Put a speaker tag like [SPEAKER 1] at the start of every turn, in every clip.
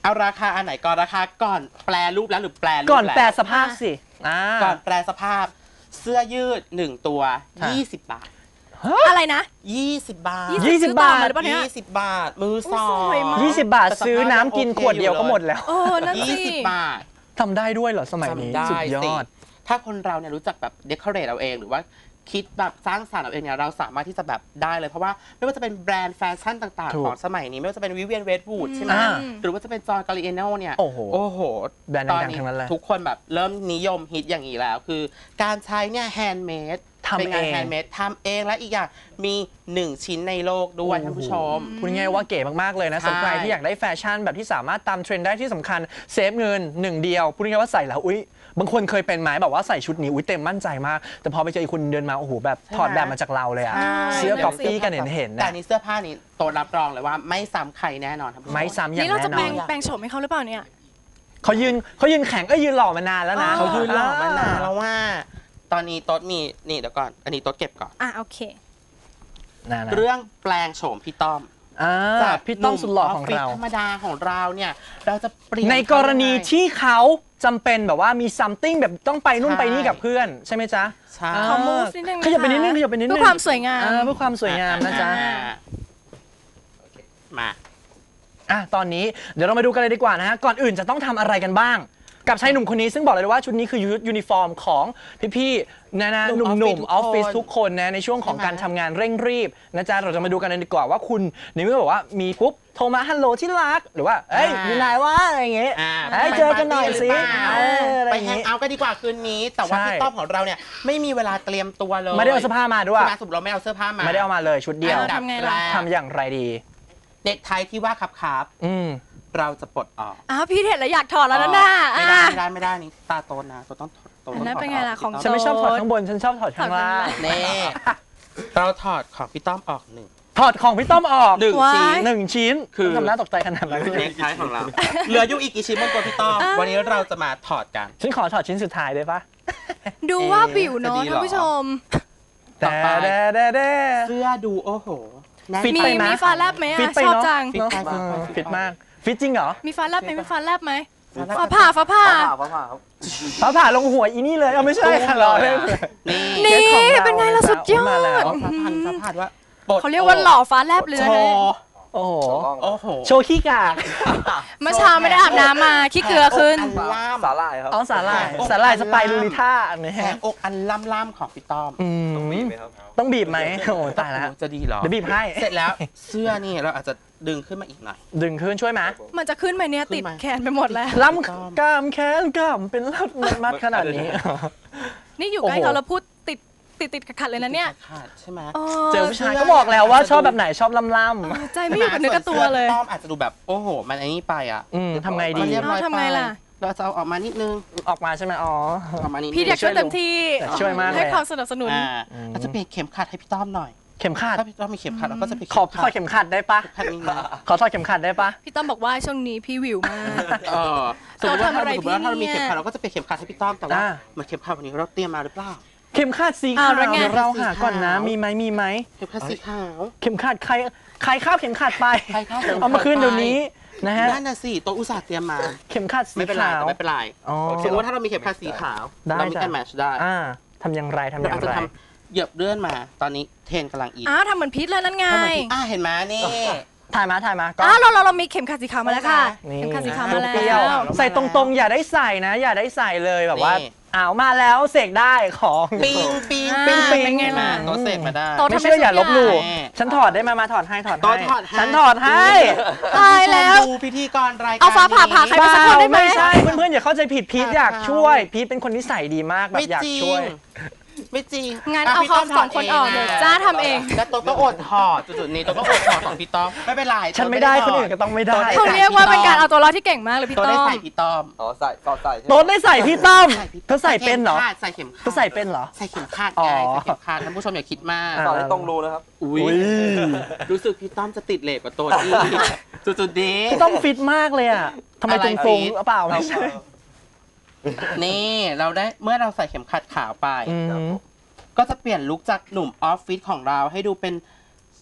[SPEAKER 1] เอาราคาอันไหนก่อนราคาก่อนแปลรูปแล้วหรือแปลรูป
[SPEAKER 2] ก่อนแปล
[SPEAKER 1] แล้ว
[SPEAKER 2] สภาพสิ
[SPEAKER 1] ก่อนแปลสภาพเสื้อยืด1ตัว20 บาท
[SPEAKER 3] อะไรนะ
[SPEAKER 1] 20 บาท
[SPEAKER 2] 20 บาท
[SPEAKER 1] 20 บาทมือสอง
[SPEAKER 2] 20 บาทซื้อน้ำกินขวดเดียวก็หมดแล้ว
[SPEAKER 3] นั่นสิ
[SPEAKER 1] 20 บาท
[SPEAKER 2] ทำได้ด้วยเหรอสมัยนี้สุดยอด
[SPEAKER 1] ถ้าคนเราเนี่ยรู้จักแบบเดคอเรทเอาเองหรือว่าคิดแบบสร้างสรรค์เอาเองเนี่ยเราสามารถที่จะแบบได้เลยเพราะว่าไม่ว่าจะเป็นแบรนด์แฟชั่นต่างๆของสมัยนี้ไม่ว่าจะเป็นวิเวียนเวดวูดใช่ไหมหรือว่าจะเป็นจอห์นกาลิเอโน่เนี่ยโอ้โห
[SPEAKER 2] แบรนด์ดังๆทั้งนั้นเลย
[SPEAKER 1] ทุกคนแบบเริ่มนิยมฮิตอย่างนี้แล้วคือการใช้เนี่ยแฮนด์เมด
[SPEAKER 2] ทำเอง
[SPEAKER 1] ทำเองและอีกอย่างมี1ชิ้นในโลกด้วยท่านผู้ชม
[SPEAKER 2] พูดง่ายว่าเก๋มากๆเลยนะสำหรับใครที่อยากได้แฟชั่นแบบที่สามารถตามเทรนด์ได้ที่สำคัญเซฟเงิน1เดียวพูดง่ายว่าใส่แล้วอุ๊ยบางคนเคยเป็นไหมแบบว่าใส่ชุดนี้อุ๊ยเต็มมั่นใจมากแต่พอไปเจออีกคนเดินมาโอ้โหแบบถอดแบบมาจากเราเลยอะเสื้อก๊อปปี้กันเห็น
[SPEAKER 1] แต่นี้เสื้อผ้านี้โตรับรองเลยว่าไม่ซ้ำใครแน่นอนครับ
[SPEAKER 2] ไม่ซ้ำอย่างแน่นอนนี่
[SPEAKER 3] เราจะแปลงโฉมให้เขาหรือเปล่าเนี่ย
[SPEAKER 2] เขายืนแข็งยืนหล่อมานานแล้วนะ
[SPEAKER 1] เขายืนหล่อมานานแล้วว่าตอนนี้โต๊ดมีนี่เดี๋ยวก่อนอันนี้โต๊ดเก็บก่อน
[SPEAKER 3] โอเค
[SPEAKER 1] เรื่องแปลงโฉมพี่ต้อม
[SPEAKER 2] จากพี่ต้อมสุดหล่อของเรา
[SPEAKER 1] ธรรมดาของเราเนี่ยเราจะเปลี่ยน
[SPEAKER 2] ในกรณีที่เขาจำเป็นแบบว่ามี something แบบต้องไปนู่นไปนี่กับเพื่อนใช่ไหมจ๊ะ
[SPEAKER 1] ใช่
[SPEAKER 3] ขอ move นิดนึง
[SPEAKER 2] ขยับไปนิดนึงเพื่
[SPEAKER 3] อความสวยงาม
[SPEAKER 2] เพื่อความสวยงามนะจ๊ะ
[SPEAKER 1] มา
[SPEAKER 2] ตอนนี้เดี๋ยวเรามาดูกันเลยดีกว่านะฮะก่อนอื่นจะต้องทำอะไรกันบ้างกับชายหนุ่มคนนี้ซึ่งบอกเลยว่าชุดนี้คือยูนิฟอร์มของพี่ๆนะหนุ่มๆออฟฟิศทุกคนนะในช่วงของการทำงานเร่งรีบนะจ๊ะเราจะมาดูกันเลยดีกว่าว่าคุณในเมื่อบอกว่ามีปุ๊บโทรมาฮัลโหลที่รักหรือว่าเอ้ยอยู่ไหนวะอะไรอย่างเงี้ยเจอกันหน่อยสิ
[SPEAKER 1] ไปแฮงเอาท์กันดีกว่าคืนนี้แต่ว่าพี่ต้อมของเราเนี่ยไม่มีเวลาเตรียมตัวเลย
[SPEAKER 2] ไม่ได้เอาเสื้อผ้ามาด้วย
[SPEAKER 1] สมมติเราไม่เอาเสื้อผ้ามา
[SPEAKER 2] ไม่ได้เอามาเลยชุดเดียวทำอย่างไรดี
[SPEAKER 1] เน็กไทที่ว่าครับเราจะปลดออก
[SPEAKER 3] พี่เห็นแล้วอยากถอดแล้วนะ
[SPEAKER 1] ไม่ได้นี่ตาโตนะตัวต้องถอด
[SPEAKER 3] นั่นเป็นไงล่ะของ
[SPEAKER 2] ฉันไม่ชอบถอดข้างบนฉันชอบถอดข้างล่าง
[SPEAKER 1] นี่เราถอดของพี่ต้อมออก
[SPEAKER 2] ถอดของพี่ต้อมออก
[SPEAKER 1] 1
[SPEAKER 2] ชิ้นคือทำหน้าตกใจขนาดนั้น
[SPEAKER 1] เน็กไทของเราเหลืออยู่อีกกี่ชิ้นบนตัวพี่ต้อมวันนี้เราจะมาถอดกัน
[SPEAKER 2] ฉันขอถอดชิ้นสุดท้ายได้ปะ
[SPEAKER 3] ดูว่าบิวเนาะท่านผู้ชม
[SPEAKER 1] ต่อไปเสื้อดูโอ้โห
[SPEAKER 3] มีฟ้าแลบไหมชอบจัง
[SPEAKER 2] ฟิตมากฟิตจริงเหรอ
[SPEAKER 3] มีฟ้าแลบไหมมีฟ้าแลบไหมฟ้าผ่า
[SPEAKER 2] ลงหัวอีนี่เลยไม่ใช่ค่ะ
[SPEAKER 3] นี่เป็นไงล่ะสุดยอด
[SPEAKER 1] ฟ้าผ่าว่า
[SPEAKER 3] เขาเรียกว่าหล่อฟ้าแลบเลย
[SPEAKER 2] โอ้โหโชว์ขี้กาก
[SPEAKER 3] เมื่อเช้าไม่ได้อาบน้ำมาขี้เกลือขึ้น
[SPEAKER 4] สาหร่ายครับ
[SPEAKER 2] สาหร่ายสไปรูลิท่า
[SPEAKER 1] แหงอกอันล่ำของพี่ต้อม
[SPEAKER 4] ต้องบีบไหมครับ
[SPEAKER 2] ต้องบีบไหมโอ้ตายแล้ว
[SPEAKER 1] จะดีหรอ
[SPEAKER 2] เดี๋ยวบีบให้
[SPEAKER 1] เสร็จแล้วเสื้อนี่เราอาจจะดึงขึ้นมาอีกหน่อย
[SPEAKER 2] ดึงขึ้นช่วยไหม
[SPEAKER 3] มันจะขึ้นไหมเนี่ยติดแขนไปหมดแล้ว
[SPEAKER 2] ล้ำกล้ามแขนกล้ามเป็นมัดขนาดนี้
[SPEAKER 3] นี่อยู่ใกล้เขาแล้วพูดติดขัดเลยนะเนี่ย
[SPEAKER 1] ขาดใช่ไหม
[SPEAKER 2] เจอผู้ชายก็บอกแล้วว่าชอบแบบไหนชอบล่
[SPEAKER 3] ำใจไม่อยู่กับเนื้อกับตัวเลย
[SPEAKER 1] ต้อมอาจจะดูแบบโอ้โหมันไอ้นี่ไป
[SPEAKER 2] ทำไงดี
[SPEAKER 3] ทำไงล่ะ
[SPEAKER 1] เราจะเอาออกมานิดนึง
[SPEAKER 2] ออกมาใช่ไหมอ
[SPEAKER 1] อกมานิด
[SPEAKER 3] พี่อยากช่วยเต็มที่
[SPEAKER 2] ช่วยมาก
[SPEAKER 3] ให้ความสนับสนุน
[SPEAKER 1] เราจะเปลี่ยนเข็มขัดให้พี่ต้อมหน่อย
[SPEAKER 2] เข็มขัด
[SPEAKER 1] ถ้าพี่ต้อมมีเข็มขัดเราก็จะ
[SPEAKER 2] ขอถอดเข็มขัดได้ปะขอถอดเข็มขัดได้ปะ
[SPEAKER 3] พี่ต้อมบอกว่าช่วงนี้พี่วิวมาก
[SPEAKER 1] สมมติว่าถ้าเรามีเข็มขัดเราก็จะเปลี่ยนเข็มขัดให้พี่ต้อมแต่ว่าเหมือนเข็มขัดวันนี้เราเตรียมมาหรือเปล่า
[SPEAKER 2] เข็มขัดสีขาวเราหาก่อนนะมีไหม
[SPEAKER 1] เข็มขัดสีขาว
[SPEAKER 2] เข็มขัดใครคาบเข็มขัดไปเอามาคืนเดี๋ยวนี้นะฮะ
[SPEAKER 1] นั่นน่ะสิตัวอุตส่าห์เตรียมมา
[SPEAKER 2] เข็มขัดสีขาว
[SPEAKER 1] ไม่เป็นไรสมมติว่าถ้าเรามีเข็มขัดสีขาวเรามีการแมทช์ได้
[SPEAKER 2] ทำอย่างไร
[SPEAKER 1] เราจะทำเหยียบเลื่อนมาตอนนี้เทนกำลังอิน
[SPEAKER 3] ทำเหมือนพีทเลยนั่นไง
[SPEAKER 1] เห็นไหมนี่
[SPEAKER 2] ถ่ายมา
[SPEAKER 3] เรามีเข็มขัดสีขาวมาแล้วค่ะเข็มขัดสีขาวมาแล้ว
[SPEAKER 2] ใส่ตรงๆอย่าได้ใส่นะอย่าได้ใส่เลยแบบว่ามาแล้วเสกได้ของ
[SPEAKER 1] ปิง
[SPEAKER 3] เป็นไงล่ะ
[SPEAKER 1] ตัวเสกมาได้
[SPEAKER 2] ไม่เชื่ออย่าลบหลู่ฉันถอดได้มาถอดให้ฉันถอดให้
[SPEAKER 3] ตายแล้ว
[SPEAKER 1] ดูพิธีกรรายการ
[SPEAKER 3] เอาฟ้าผ่าใครไปสักคนได้ไหม
[SPEAKER 2] ไม่ใช่เพื่อนๆอย่าเข้าใจผิดพีทอยากช่วยพีทเป็นคนนิสัยดีมากแบบอยากช่วย
[SPEAKER 1] ไม่จริง
[SPEAKER 3] งั้นเอาเขา2 คนออกเดี๋ยวจ้าทำเอง
[SPEAKER 1] แล้วตัวก็อดถอดจุดนี้ตัวก็อดถอดของพี่ต้อมไม่เป็นไร
[SPEAKER 2] ฉันไม่ได้คนอื่นก็ต้องไม่ได้
[SPEAKER 3] เขาเรียกว่าเป็นการเอาตัวรอดที่เก่งมากเลยพี่ต้อม
[SPEAKER 1] ได้ใส่พี่ต้อม
[SPEAKER 4] ใส่
[SPEAKER 2] ต้นได้ใส่พี่ต้อมเธอใส่เป็นเหรอ
[SPEAKER 1] ใส่เข็มขัด
[SPEAKER 2] เธอใส่เป็นเหรอ
[SPEAKER 1] ใส่เข็มขัดไงใส่เข็มขัดท่านผู้ชมอย่าคิดมาก
[SPEAKER 4] ตอนนี้ต้องรู้นะครับ
[SPEAKER 1] รู้สึกพี่ต้อมจะติดเลทกว่าตัวที่จุดนี้
[SPEAKER 2] พี่ต้อมฟิตมากเลยอ่ะทำไมตรงๆเปล่าไม่ใช่
[SPEAKER 1] นี่เราได้เมื่อเราใส่เข็มขัดขาวไปก็จะเปลี่ยนลุคจากหนุ่มออฟฟิศของเราให้ดูเป็น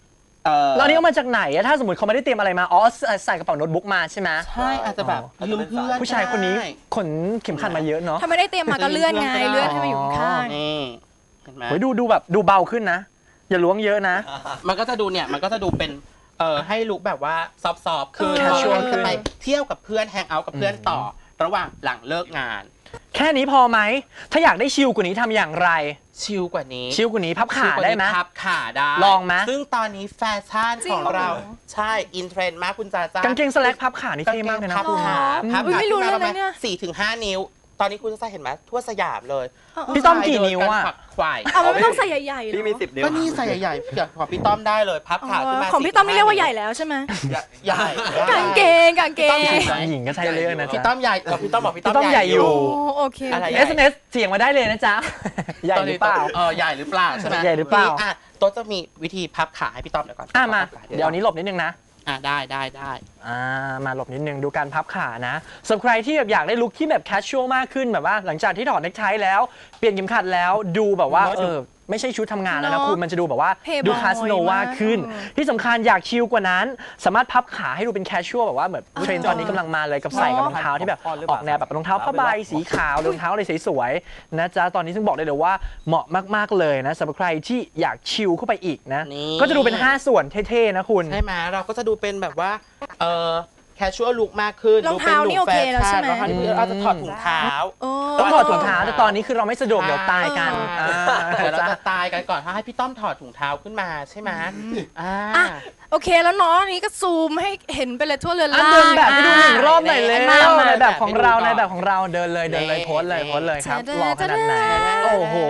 [SPEAKER 2] แล้วอันนี้เอามาจากไหนอะถ้าสมมติเขาไม่ได้เตรียมอะไรมาอ๋อใส่กระเป๋าโน้ตบุ๊กมาใช่ไหม
[SPEAKER 1] ใช่อาจจะแบบยืมเพื่อน
[SPEAKER 2] ผู้ชายคนนี้ขนเข็มขัดมาเยอะเนาะ
[SPEAKER 3] ถ้าไม่ได้เตรียมมาก็เลื่อนไงเลื่อนให้มาอยู่ข้าง
[SPEAKER 1] นี่เห็นไหม
[SPEAKER 2] เฮ้ยดูแบบดูเบาขึ้นนะ อย่าล้วงเยอะนะ
[SPEAKER 1] มันก็จะดูเนี่ยมันก็จะดูเป็นให้ลุคแบบว่าซอฟๆคือ
[SPEAKER 2] casual
[SPEAKER 1] จะไปเที่ยวกับเพื่อนแฮงเอาท์กับเพื่อนต่อระหว่างหลังเลิกงาน
[SPEAKER 2] แค่นี้พอไหมถ้าอยากได้ชิลกว่านี้ทำอย่างไร
[SPEAKER 1] ชิลกว่านี้
[SPEAKER 2] ชิลกว่านี้พับขาได้ไหม
[SPEAKER 1] พับขาได้
[SPEAKER 2] ลองไหม
[SPEAKER 1] ซึ่งตอนนี้แฟชั่น
[SPEAKER 3] จริ
[SPEAKER 1] ข
[SPEAKER 3] ง
[SPEAKER 1] อง
[SPEAKER 3] เหรอ
[SPEAKER 1] เราใช่อินเทรนด์มากคุณจ้าก
[SPEAKER 2] างเกงสแลกพับขานี่เท่มากเลยนะ
[SPEAKER 1] พับ
[SPEAKER 2] คุณ
[SPEAKER 1] ขาพับ
[SPEAKER 3] อุ๊ย
[SPEAKER 1] ขา
[SPEAKER 3] ไม่รู้
[SPEAKER 1] ขึ้นมา
[SPEAKER 3] เลย
[SPEAKER 1] ประมาณ
[SPEAKER 3] เนี่ย
[SPEAKER 1] 4-5 นิ้ว ตอนนี้คุณจะเห็นไหมทั่วสยามเลย
[SPEAKER 2] พี่ต้อมกี่นิ้วอะ
[SPEAKER 1] ผู้ชายเดินกันขวักไขว่
[SPEAKER 3] เอามันไม่ต้องใส่ใหญ่ๆหรอ
[SPEAKER 4] พี่มี10 นิ้ว
[SPEAKER 1] ก็นี่ใส่ใหญ่ๆอย่างของพี่ต้อมได้เลย พับขาขึ้นมา
[SPEAKER 3] ของพี่ต้อมไม่เรียกว่าใหญ่แล้วใช่ไหม
[SPEAKER 1] ใหญ่
[SPEAKER 3] กางเกง
[SPEAKER 1] พี่ต้อม
[SPEAKER 2] หญิงก็ใช่เรื่องนะ
[SPEAKER 1] พี่
[SPEAKER 2] จ๊ะ
[SPEAKER 1] ต้อมใหญ่พี่ต้อมบอกพี่ต้อ
[SPEAKER 2] พี่ต้อม
[SPEAKER 1] ม
[SPEAKER 2] ใหญ่อยู่
[SPEAKER 3] โอ้โอเค
[SPEAKER 1] อะไร
[SPEAKER 2] SMS เสียงมาได้เลยนะจ๊ะ ใหญ่หรือเปล่า
[SPEAKER 1] ใหญ่หรือเปล่าใช่ไหม
[SPEAKER 2] ใหญ่หรือเปล่า
[SPEAKER 1] อ่ะโต๊ะจะมีวิธีพับขาให้พี่ต้อมเดี๋ยวก่อน
[SPEAKER 2] มา
[SPEAKER 1] พับขา
[SPEAKER 2] เดี๋ยวนี้หลบนิดนึงนะ
[SPEAKER 1] ได้
[SPEAKER 2] มาหลบนิดนึงดูการพับขานะสำหรับใครที่แบบอยากได้ลุคที่แบบแคชชวลมากขึ้นแบบว่าหลังจากที่ถอดเนคไทแล้วเปลี่ยนเข็มขัดแล้วดูแบบว่าไม่ใช่ชุดทำงานแล้วนะคุณมันจะดูแบบว่าดูคาสโนวาขึ้น ที่สำคัญอยากชิลกว่านั้น สามารถพับขาให้ดูเป็นแคชชวลแบบว่าเหมือนเทรนด์ตอนนี้กำลังมาเลยกับใส่กับรองเท้าที่แบบออกแนวแบบรองเท้าผ้าใบสีขาวรองเท้าอะไรสวยๆนะจ๊ะตอนนี้ซึ่งบอกได้เลยว่าเหมาะมากๆเลยนะสำหรับใครที่อยากชิลเข้าไปอีกนะ
[SPEAKER 1] นี่
[SPEAKER 2] ก็จะดูเป็น5ส่วนเท่ๆนะคุณ
[SPEAKER 1] ใช่ไหมเราก็จะดูเป็นแบบว่าแคชชวลลุคมากขึ้น
[SPEAKER 3] รองเท้านี่โอเคแล้วใช่ไหม
[SPEAKER 1] รองเท้านี่เราจะถอดถุงเท้า
[SPEAKER 2] ต้องถอดถุงเท้าแต่ตอนนี้คือเราไม่สะดวกเดี๋ยวตายกัน
[SPEAKER 1] เดี๋ยวเราจะตายกันก่อนถ้าให้พี่ต้อมถอดถุงเท้าขึ้นมาใช่ไหม
[SPEAKER 3] อ่ะโอเคแล้วเนาะอันนี้ก็ซูมให้เห็นไปเลยทั่วเรือน
[SPEAKER 2] อ่ะ
[SPEAKER 3] ร่าง
[SPEAKER 2] เดินแบบให้ดูหนึ่งรอบหน่อยเลย
[SPEAKER 3] มา
[SPEAKER 2] ในแบบของเราในแบบของเราเดินเลยโพสเลยครับหล่อขนาดไหนโอ้โห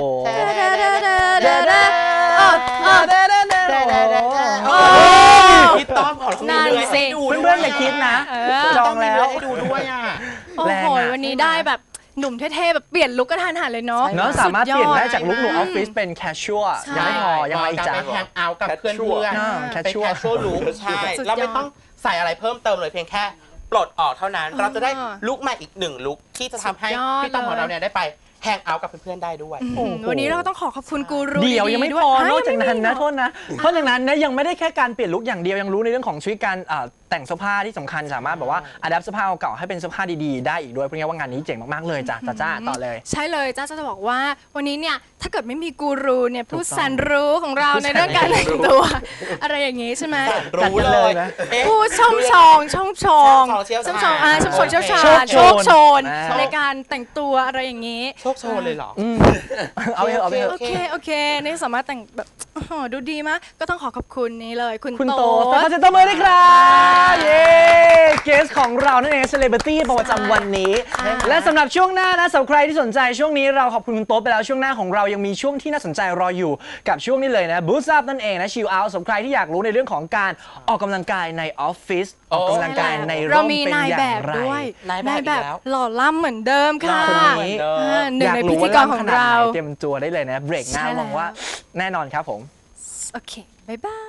[SPEAKER 1] พี่ต้อมขอ
[SPEAKER 3] นั่นสิ
[SPEAKER 2] เพื่อนๆอย่าคิดนะ จองแล้ว
[SPEAKER 1] ให้ดูด้วยอ่ะ
[SPEAKER 3] โอ้โหวันนี้ได้แบบหนุ่มเท่ๆแบบเปลี่ยนลุคกระทันหันเลยเนาะ
[SPEAKER 2] เนาะสามารถเปลี่ยนได้จากลุคหนุ่มอ
[SPEAKER 3] สุ
[SPEAKER 2] อฟฟิศเป็นแคชชัวยังไม่พอยังไงจ๊ะ
[SPEAKER 1] ไปแฮงเอาท์กับเพื่อน
[SPEAKER 2] แคช
[SPEAKER 1] เป็น
[SPEAKER 2] ชัว
[SPEAKER 1] แคชชวลลุคใช่เราไม่ต้องใส่อะไรเพิ่มเติมเลยเพียงแค่ปลดออกเท่านั้น เราจะได้ลุคใหม่อีก1ลุคที่จะทำให้พี่ต้อมของเราเนี่ยได้ไปแฮงเอาท์กับเพื่อนๆได้ด้วย
[SPEAKER 3] วันนี้เราก็ต้องขอบคุณกูรู
[SPEAKER 2] เดี๋ยวยังไม่
[SPEAKER 3] ด้ว
[SPEAKER 2] พอนอก
[SPEAKER 3] ฮะ
[SPEAKER 2] จากนั้นนะ
[SPEAKER 3] ไม่มี
[SPEAKER 2] โทษนะนอกจากนั้นนะยังไม่ได้แค่การเปลี่ยนลุคอย่างเดียวยังรู้ในเรื่องของชีวิตการแต่งเสื้อผ้าที่สำคัญสามารถแบบว่าอัดแอปเสื้อผ้าเก่าๆให้เป็นเสื้อผ้าดีๆได้อีกด้วยเพราะงั้นว่างานนี้เจ๋งมากๆเลยจ้ะจ้าต่อเลย
[SPEAKER 3] ใช่เลยจ้าจะบอกว่าวันนี้เนี่ยถ้าเกิดไม่มีกูรูเนี่ยผู้แสนรู้ของเราในเรื่องการแต่งตัว อะไรอย่างงี้ใช่ไหม
[SPEAKER 1] รู้เลยนะ
[SPEAKER 3] ผู้ช่องชองเชี่ยวชาญโชคโชนในการแต่งตัวอะไรอย่างงี้
[SPEAKER 1] โชคโชนเลยเหรอ
[SPEAKER 2] เอาไปเถอะเอาไปเถอะ
[SPEAKER 3] โอเคนี่สามารถแต่งแบบดูดีมากก็ต้องขอบคุณนี่เลยคุณ
[SPEAKER 2] คุณ
[SPEAKER 3] โต
[SPEAKER 2] โตขอเสียงตบมือด้วยครับเย้เกสของเรานั่นเองเซเลบริตี้ประจำวันนี้ และสำหรับช่วงหน้านะสำหรับใครที่สนใจช่วงนี้เราขอบคุณคุณโต๊ะไปแล้วช่วงหน้าของเรายังมีช่วงที่น่าสนใจรออยู่กับช่วงนี้เลยนะบูสต์อัพนั่นเองนะชิลเอาท์สำหรับใครที่อยากรู้ในเรื่องของการออกกำลังกายในออฟฟิศออกกำลังกายในร่
[SPEAKER 3] เรา
[SPEAKER 2] ม
[SPEAKER 3] มี
[SPEAKER 2] เป็น
[SPEAKER 3] นาย
[SPEAKER 2] อย่า
[SPEAKER 3] แบ
[SPEAKER 2] ง
[SPEAKER 3] บ
[SPEAKER 2] ไร
[SPEAKER 3] ด้วย
[SPEAKER 1] นายแบบอีกแล้ว
[SPEAKER 3] หล่อล่ำเหมือนเดิมค่ะ
[SPEAKER 2] คนนี้
[SPEAKER 3] หนึ่งในพิธีกรของเรา
[SPEAKER 2] เตรียมตัวได้เลยนะเบรกหน้า
[SPEAKER 3] ใช่แล้ว
[SPEAKER 2] หวังว่าแน่นอนครับผม
[SPEAKER 3] โอเคบ๊ายบาย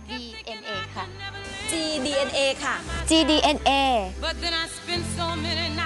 [SPEAKER 5] GDNA ค่ะ
[SPEAKER 6] GDNA ค่ะ
[SPEAKER 5] GDNA
[SPEAKER 6] But then I spent so many